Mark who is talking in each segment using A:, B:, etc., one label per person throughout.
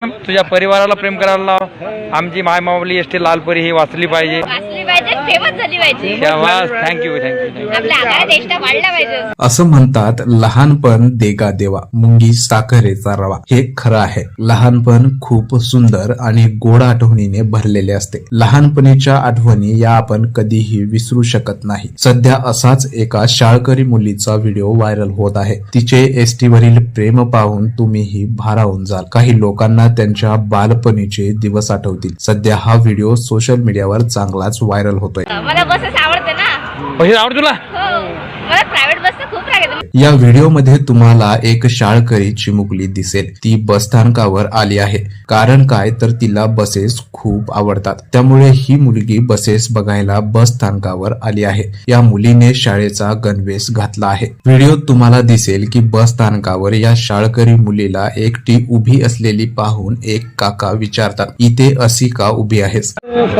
A: तुझ्या परिवाराला प्रेम करायला लाव. आमची माय माऊली एसटी लालपरी ही वाचली पाहिजे,
B: फेमस झाली पाहिजे.
A: Thank you thank you.
B: आपल्या आगार देशला वाढला पाहिजे.
C: असं म्हणतात, लहानपण देगा देवा मुंगी साखरेचा रवा. हे खरं आहे. लहानपण खूप सुंदर आणि गोड आठवणीने भरलेले असते. लहानपणीच्या आठवणी या आपण कधीही विसरू शकत नाही. सध्या असाच एका शाळकरी मुलीचा व्हिडिओ व्हायरल होत आहे. तिचे एसटी वरील प्रेम पाहून तुम्हीही भारावून जाल. काही लोकांना त्यांच्या बालपणीचे दिवस आठवतील. सध्या हा व्हिडिओ सोशल मीडियावर चांगलाच व्हायरल होतोय.
B: मला बसेस आवडते ना.
A: पैसे आवड तुला?
B: हो, मला प्रायव्हेट बस खूप राग येते.
C: या व्हिडिओमध्ये तुम्हाला एक शाळकरी चिमुकली दिसेल. ती बस स्थानकावर आली आहे. कारण काय तर तिला बसेस खूप आवडतात. त्यामुळे ही मुलगी बसेस बघायला बस स्थानकावर आली आहे. या मुलीने शाळेचा गणवेश घातला आहे. व्हिडिओत तुम्हाला दिसेल की बस स्थानकावर या शाळकरी मुलीला एकटी उभी असलेली पाहून एक काका विचारतात, इथे अशी का उभी आहेस?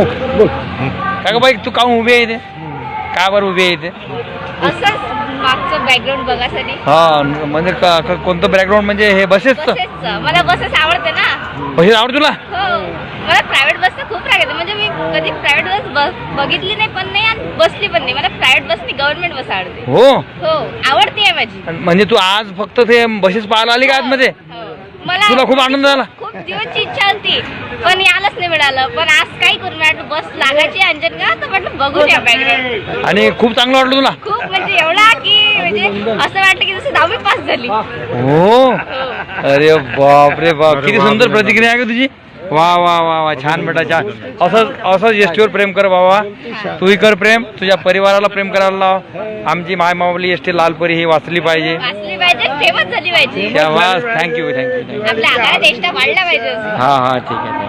A: काय बाई तू का उभी आहे इथे? का बरं उभी आहे इथे?
B: असंच मागचं बॅकग्राऊंड बघासाठी.
A: हा म्हणजे कोणतं बॅकग्राऊंड म्हणजे हे बसेसचं?
B: मला बसेस आवडते ना.
A: पैसे आवड तुला?
B: हो, मला प्रायव्हेट बस खूप राग येते. म्हणजे मी कधी प्रायव्हेट बस बघितली नाही पण नाही आणि बसली पण नाही. मला प्रायव्हेट बस नाही, गव्हर्नमेंट बस आवडते.
A: हो
B: हो, आवडते आहे माझी.
A: म्हणजे तू आज फक्त ते बसेस पाहायला आली का आतमध्ये?
B: हो. मला
A: तुला खूप आनंद झाला?
B: खूप दिवसची इच्छा होती पण यायलाच नाही मिळालं. पण आज काय करू, म्हटलं बस लागायची अंजन का तर म्हटलं बघून या बॅकग्राऊंड.
A: आणि खूप चांगलं वाटलं तुला?
B: खूप म्हणजे एवढा की म्हणजे असं वाटलं की जसं 10वी पास झाली.
A: हो. अरे बाप रे बाप, किती सुंदर प्रतिक्रिया आहे का तुझी. वा वा वा वा, छान बेटा छान. असंच एसटीवर प्रेम कर बाबा. तूही कर प्रेम. तुझ्या परिवाराला प्रेम करायला लाव. आमची माय माऊली एसटी लालपरी ही वाचली पाहिजे,
B: फेमस झाली पाहिजे.
A: Thank you thank you.
B: आपल्या आगार देशला वाढला पाहिजे.
A: हा ठीक आहे.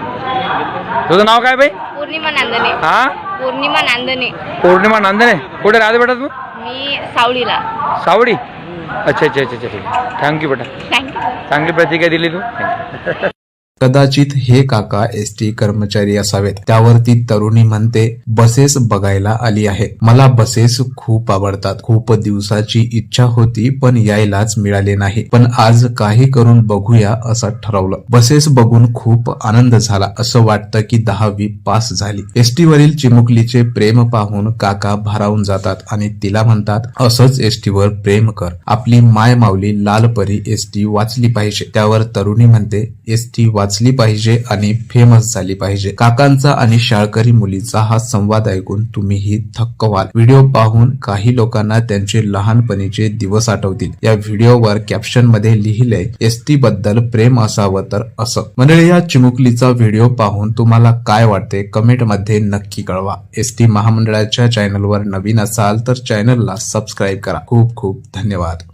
A: तुझं नाव काय बाई?
B: पौर्णिमा नांदणे.
A: हा,
B: पौर्णिमा नांदणे.
A: पौर्णिमा नांदणे. कुठे राहते बेटा तू?
B: मी सावळीला.
A: सावडी. अच्छा अच्छा अच्छा ठीक आहे. थँक्यू बेटा,
B: थँक्यू.
A: चांगली प्रतिक्रिया दिली तू.
C: कदाचित हे काका एसटी कर्मचारी असावेत. त्यावरती तरुणी म्हणते, बसेस बघायला आली आहे. मला बसेस खूप आवडतात. खूप दिवसाची इच्छा होती पण यायलाच मिळाले नाही. पण आज काही करून बघूया असं ठरवलं. बसेस बघून खूप आनंद झाला. असं वाटतं की 10वी पास झाली. एसटी वरील चिमुकलीचे प्रेम पाहून काका भारावून जातात आणि तिला म्हणतात, असंच एसटीवर प्रेम कर. आपली माय माऊली लालपरी एसटी वाचली पाहिजे. त्यावर तरुणी म्हणते, एसटी वाचली पाहिजे आणि फेमस झाली पाहिजे. काकांचा आणि शाळकरी मुलीचा हा संवाद ऐकून तुम्हीही थक्क व्हाल. व्हिडिओ पाहून काही लोकांना त्यांचे लहानपणीचे दिवस आठवतील. या व्हिडिओवर कॅप्शन मध्ये लिहिलंय, एसटी बद्दल प्रेम असावं तर असं. मंडळी, या चिमुकलीचा व्हिडिओ पाहून तुम्हाला काय वाटते कमेंट मध्ये नक्की कळवा. एसटी महामंडळाच्या चॅनलवर नवीन असाल तर चॅनलला सबस्क्राईब करा. खूप खूप धन्यवाद.